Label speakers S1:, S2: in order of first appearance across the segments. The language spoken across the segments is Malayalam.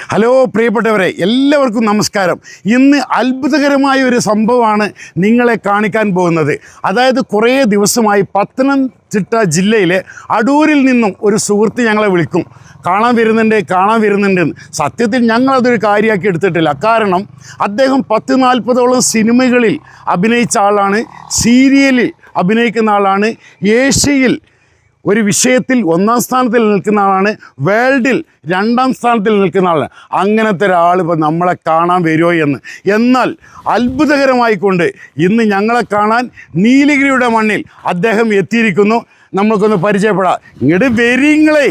S1: ഹലോ പ്രിയപ്പെട്ടവരെ, എല്ലാവർക്കും നമസ്കാരം. ഇന്ന് അത്ഭുതകരമായ ഒരു സംഭവമാണ് നിങ്ങളെ കാണിക്കാൻ പോകുന്നത്. അതായത് കുറേ ദിവസമായി പത്തനംതിട്ട ജില്ലയിലെ അടൂരിൽ നിന്നും ഒരു സുഹൃത്ത് ഞങ്ങളെ വിളിക്കും, കാണാൻ വരുന്നുണ്ട്. സത്യത്തിൽ ഞങ്ങളതൊരു കാര്യമാക്കി എടുത്തിട്ടില്ല. കാരണം അദ്ദേഹം 10-40ഓളം സിനിമകളിൽ അഭിനയിച്ച ആളാണ്, സീരിയലിൽ അഭിനയിക്കുന്ന ആളാണ്, ഏഷ്യയിൽ ഒരു വിഷയത്തിൽ 1-ാം സ്ഥാനത്തിൽ നിൽക്കുന്ന ആളാണ്, വേൾഡിൽ 2-ാം സ്ഥാനത്തിൽ നിൽക്കുന്ന ആളാണ്. അങ്ങനത്തെ ഒരാൾ ഇപ്പോൾ നമ്മളെ കാണാൻ വരുമോ എന്ന്. എന്നാൽ അത്ഭുതകരമായിക്കൊണ്ട് ഇന്ന് ഞങ്ങളെ കാണാൻ നീലഗിരിയുടെ മണ്ണിൽ അദ്ദേഹം എത്തിയിരിക്കുന്നു. നമ്മൾക്കൊന്ന് പരിചയപ്പെടാം. ഇങ്ങോട്ട് വരിങ്ങളെ.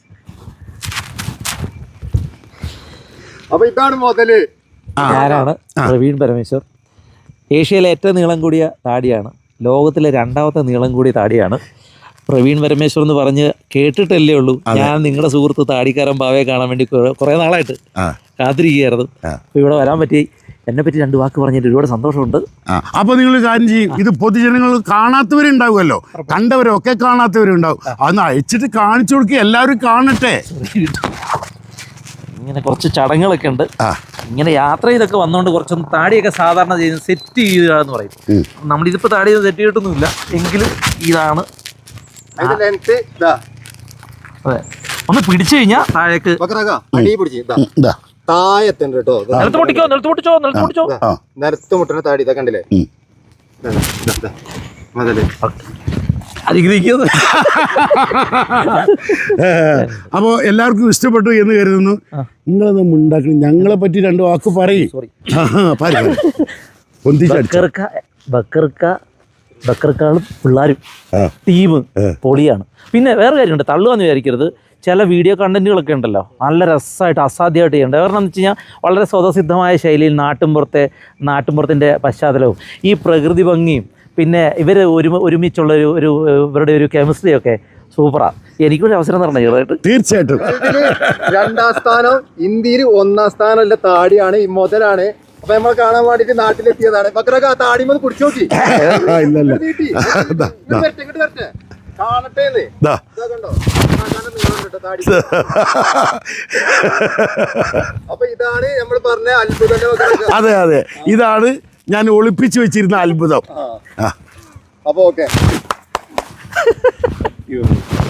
S2: അപ്പോൾ ഇതാണ് മുതല്.
S3: ഞാനാണ് പ്രവീൺ പരമേശ്വർ. ഏഷ്യയിലെ ഏറ്റവും നീളം കൂടിയ താടിയാണ്, ലോകത്തിലെ 2ാമത്തെ നീളം കൂടിയ താടിയാണ് പ്രവീൺ പരമേശ്വർ എന്ന് പറഞ്ഞ് കേട്ടിട്ടല്ലേ ഉള്ളൂ. ഞാൻ നിങ്ങളുടെ സുഹൃത്ത് താടിക്കാരൻ ബാവയെ കാണാൻ വേണ്ടി കുറേ നാളായിട്ട് കാത്തിരിക്കുകയായിരുന്നു. അപ്പോൾ ഇവിടെ വരാൻ പറ്റി. എന്നെ പറ്റി 2 വാക്ക് പറഞ്ഞിട്ട് ഒരുപാട് സന്തോഷമുണ്ട്.
S1: അപ്പോൾ നിങ്ങൾ കാര്യം ചെയ്യും, ഇത് പൊതുജനങ്ങൾ കാണാത്തവരുണ്ടാവുമല്ലോ, കണ്ടവരൊക്കെ കാണാത്തവരുണ്ടാവും. അന്ന് അയച്ചിട്ട് കാണിച്ചു കൊടുക്കുക, എല്ലാവരും കാണട്ടെ.
S3: ഇങ്ങനെ കുറച്ച് ചടങ്ങുകളൊക്കെ ഉണ്ട്. ഇങ്ങനെ യാത്ര ചെയ്തൊക്കെ വന്നുകൊണ്ട് കുറച്ചൊന്ന് താടിയൊക്കെ സാധാരണ ചെയ്യുന്നത് സെറ്റ് ചെയ്യുക എന്ന് പറയും. നമ്മളിതിപ്പോൾ താടി സെറ്റ് ചെയ്തിട്ടൊന്നുമില്ല, എങ്കിലും ഇതാണ്. അതെ, ഒന്ന് പിടിച്ചു കഴിഞ്ഞാൽ താഴേക്ക്
S2: അടി പിടിച്ച് താഴത്തുണ്ട് കേട്ടോ. നിലത്ത് മുട്ടുന്ന താടി ഇതാ കണ്ടില്ലേ.
S1: അപ്പോൾ എല്ലാവർക്കും ഇഷ്ടപ്പെട്ടു എന്ന് കരുതുന്നു. നിങ്ങളത് ഉണ്ടാക്കണം, ഞങ്ങളെ പറ്റി 2 വാക്ക് പറയും.
S3: ബക്കർക്കാളും പിള്ളേരും ടീം പൊളിയാണ്. പിന്നെ വേറെ കാര്യമുണ്ട്, തള്ളുകയെന്ന് വിചാരിക്കരുത്. ചില വീഡിയോ കണ്ടന്റുകളൊക്കെ ഉണ്ടല്ലോ, നല്ല രസമായിട്ട് അസാധ്യമായിട്ട് ചെയ്യേണ്ടത്. കാരണം എന്ന് വെച്ച് കഴിഞ്ഞാൽ വളരെ സ്വതസിദ്ധമായ ശൈലിയിൽ നാട്ടുമ്പുറത്തിൻ്റെ പശ്ചാത്തലവും ഈ പ്രകൃതി ഭംഗിയും പിന്നെ ഇവർ ഒരുമിച്ചുള്ള ഇവരുടെ ഒരു കെമിസ്ട്രിയൊക്കെ സൂപ്പറാണ്. എനിക്കൊരു അവസരം തരണം ചെറുതായിട്ട്.
S1: തീർച്ചയായിട്ടും
S2: 2ാം സ്ഥാനം ഇന്ത്യയിൽ, 1ാം സ്ഥാനം താടിയാണ്, ഈ മുതലാണ്. അപ്പൊ നമ്മൾ കാണാൻ വേണ്ടിട്ട് നാട്ടിലെത്തിയതാണ്. ബക്രക താടിമൊന്ന് കുടിച്ചു നോക്കി. കാണട്ടെ. അപ്പൊ ഇതാണ് നമ്മൾ പറഞ്ഞ അത്ഭുതം.
S1: അതെ, ഇതാണ് ഞാൻ ഒളിപ്പിച്ചു വെച്ചിരുന്ന അത്ഭുതം.
S2: അപ്പൊ ഓക്കെ.